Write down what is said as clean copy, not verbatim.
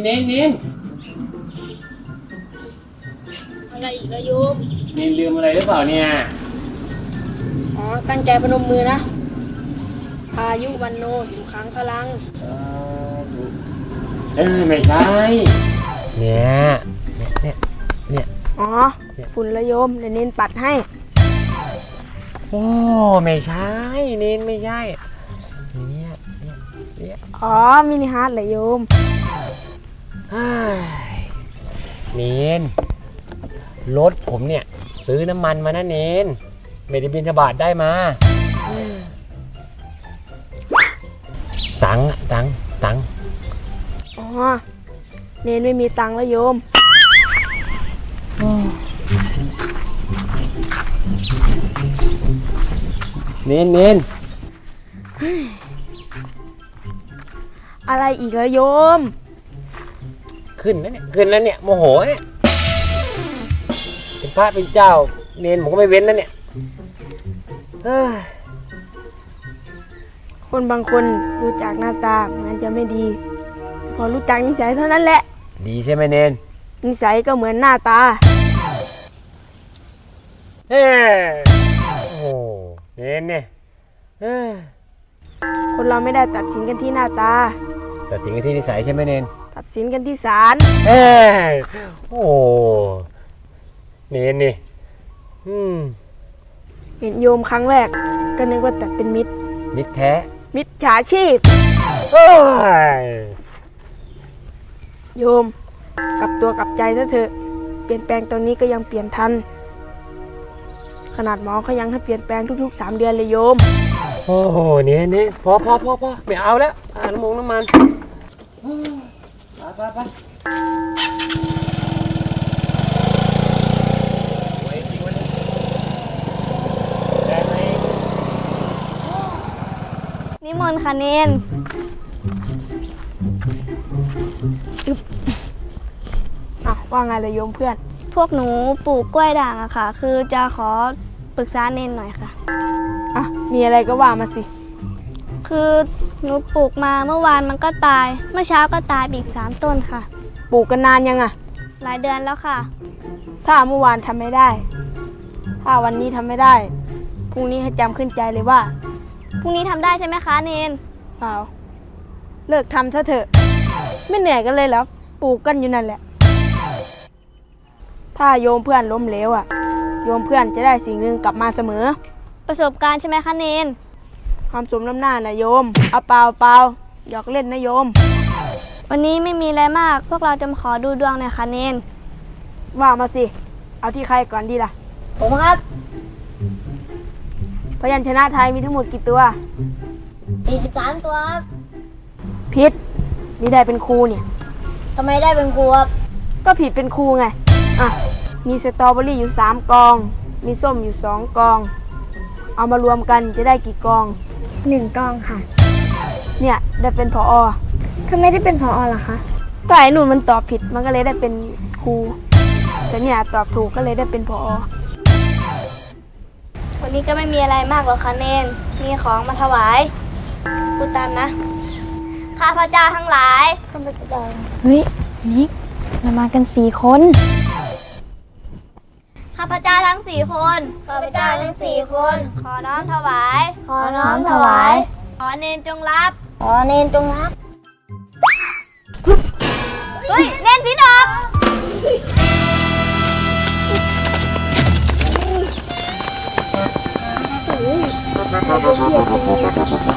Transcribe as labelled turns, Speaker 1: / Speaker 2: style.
Speaker 1: เน้น
Speaker 2: อะไรอีกละโยม
Speaker 1: เน้นลืมอะไรหรือเปล่าเนี่ย
Speaker 2: อ๋อตั้งใจพนมมือนะอายุวันโนสุขังพลัง
Speaker 1: ไม่ใช่เนี่ย
Speaker 2: อ๋อฝุ่นละโยมเดี๋ยวเน้นปัดให้
Speaker 1: โอ้ไม่ใช่เน้นไม่ใช่เนี่ย
Speaker 2: อ๋อมินิฮาร์ดละโยม
Speaker 1: เน้นรถผมเนี่ยซื้อน้ำมันมานะเน้นไม่ได้บิณฑบาตได้มาตัง
Speaker 2: อ๋อเน้นไม่มีตังค์ละโยม
Speaker 1: เน้น
Speaker 2: อะไรอีกละโยม
Speaker 1: ขึ้นแล้วเนี่ยโมโหเนี่ยเป็นพระเป็นเจ้าเน้นผมก็ไม่เว้นนะเนี่ย
Speaker 2: คนบางคนรู้จักหน้าตามันจะไม่ดีพอรู้จักนิสัยเท่านั้นแหละ
Speaker 1: ดีใช่ไหมเน้น
Speaker 2: นิสัยก็เหมือนหน้าตา
Speaker 1: โอ้เน้นเนี่ย
Speaker 2: คนเราไม่ได้ตัดสินกันที่หน้าตา
Speaker 1: ตัดสินกันที่นิสัยใช่ไหมเน้น
Speaker 2: ตัดสินกันที่ศาล
Speaker 1: โอ้เน้นนี่
Speaker 2: เห็นโยมครั้งแรกก็นึกว่าแต่เป็นมิตร
Speaker 1: แท้
Speaker 2: มิตรฉาชีพโยมกลับตัวกลับใจซะเถอะเปลี่ยนแปลงตอนนี้ก็ยังเปลี่ยนทันขนาดหมอเขายังให้เปลี่ยนแปลงทุกๆ3 เดือนเลยโยม
Speaker 1: โอ้โหเนี่ยพอไม่เอาแล้วน้ำมันไป
Speaker 3: นิมนต์ค่ะเนน
Speaker 2: ว่าไงเลยโยมเพื่อน
Speaker 3: พวกหนูปลูกกล้วยด่างอะค่ะคือจะขอปรึกษาเนนหน่อยค่ะ
Speaker 2: มีอะไรก็ว่ามาสิ
Speaker 3: คือหนูปลูกมาเมื่อวานมันก็ตายเมื่อเช้าก็ตายอีก3 ต้นค่ะ
Speaker 2: ปลูกกันนานยัง
Speaker 3: หลายเดือนแล้วค่ะ
Speaker 2: ถ้าเมื่อวานทำไม่ได้ถ้าวันนี้ทำไม่ได้พรุ่งนี้ให้จำขึ้นใจเลยว่า
Speaker 3: พรุ่งนี้ทำได้ใช่ไหมคะเนน
Speaker 2: เปล่าเลิกทำซะเถอะไม่เหนื่อยกันเลยแล้วปลูกกันอยู่นั่นแหละถ้าโยมเพื่อนล้มเหลวโยมเพื่อนจะได้สิ่งหนึ่งกลับมาเสมอ
Speaker 3: ประสบการณ์ใช่ไหมคะเนน
Speaker 2: ความสมน้ำหน้านะโยมเอาเปล่าหยอกเล่นนะโยม
Speaker 3: วันนี้ไม่มีอะไรมากพวกเราจะมาขอดูดวงหน่อยค่ะเนน
Speaker 2: ว่ามาสิเอาที่ใครก่อนดีล่ะ
Speaker 3: ผมครับ
Speaker 2: พยัญชนะไทยมีทั้งหมดกี่ตัว
Speaker 3: 43 ตัวครับ
Speaker 2: ผิดนี่ได้เป็นครูเนี่ย
Speaker 3: ทำไมได้เป็นครูครับ
Speaker 2: ก็ผิดเป็นครูไงมีสตรอเบอรี่อยู่3 กองมีส้มอยู่2 กองเอามารวมกันจะได้กี่กอง
Speaker 3: 1 กองค่ะ
Speaker 2: เนี่ยได้เป็นผอ.
Speaker 3: ทำไมได้เป็นผอ.ล่ะคะ
Speaker 2: ก็ไอ้หนูมันตอบผิดมันก็เลยได้เป็นครูแต่เนี่ยตอบถูกก็เลยได้เป็นผอ.
Speaker 3: วันนี้ก็ไม่มีอะไรมากหรอกค่ะเนนมีของมาถวายพูดตามนะข้าพเจ้าทั้งหลายข้าพเจ้า
Speaker 4: เฮ้ยนิกเรามากัน4 คน
Speaker 3: ข้าพเจ้าทั้ง4 คนข้าพเจ้าทั้ง4 คนขอน้อมถวาย
Speaker 4: ขอน้อมถวาย
Speaker 3: ขอเนนจงรับ
Speaker 4: ขอเนนจงรับ
Speaker 3: เฮ้ยเนนพี่ดอก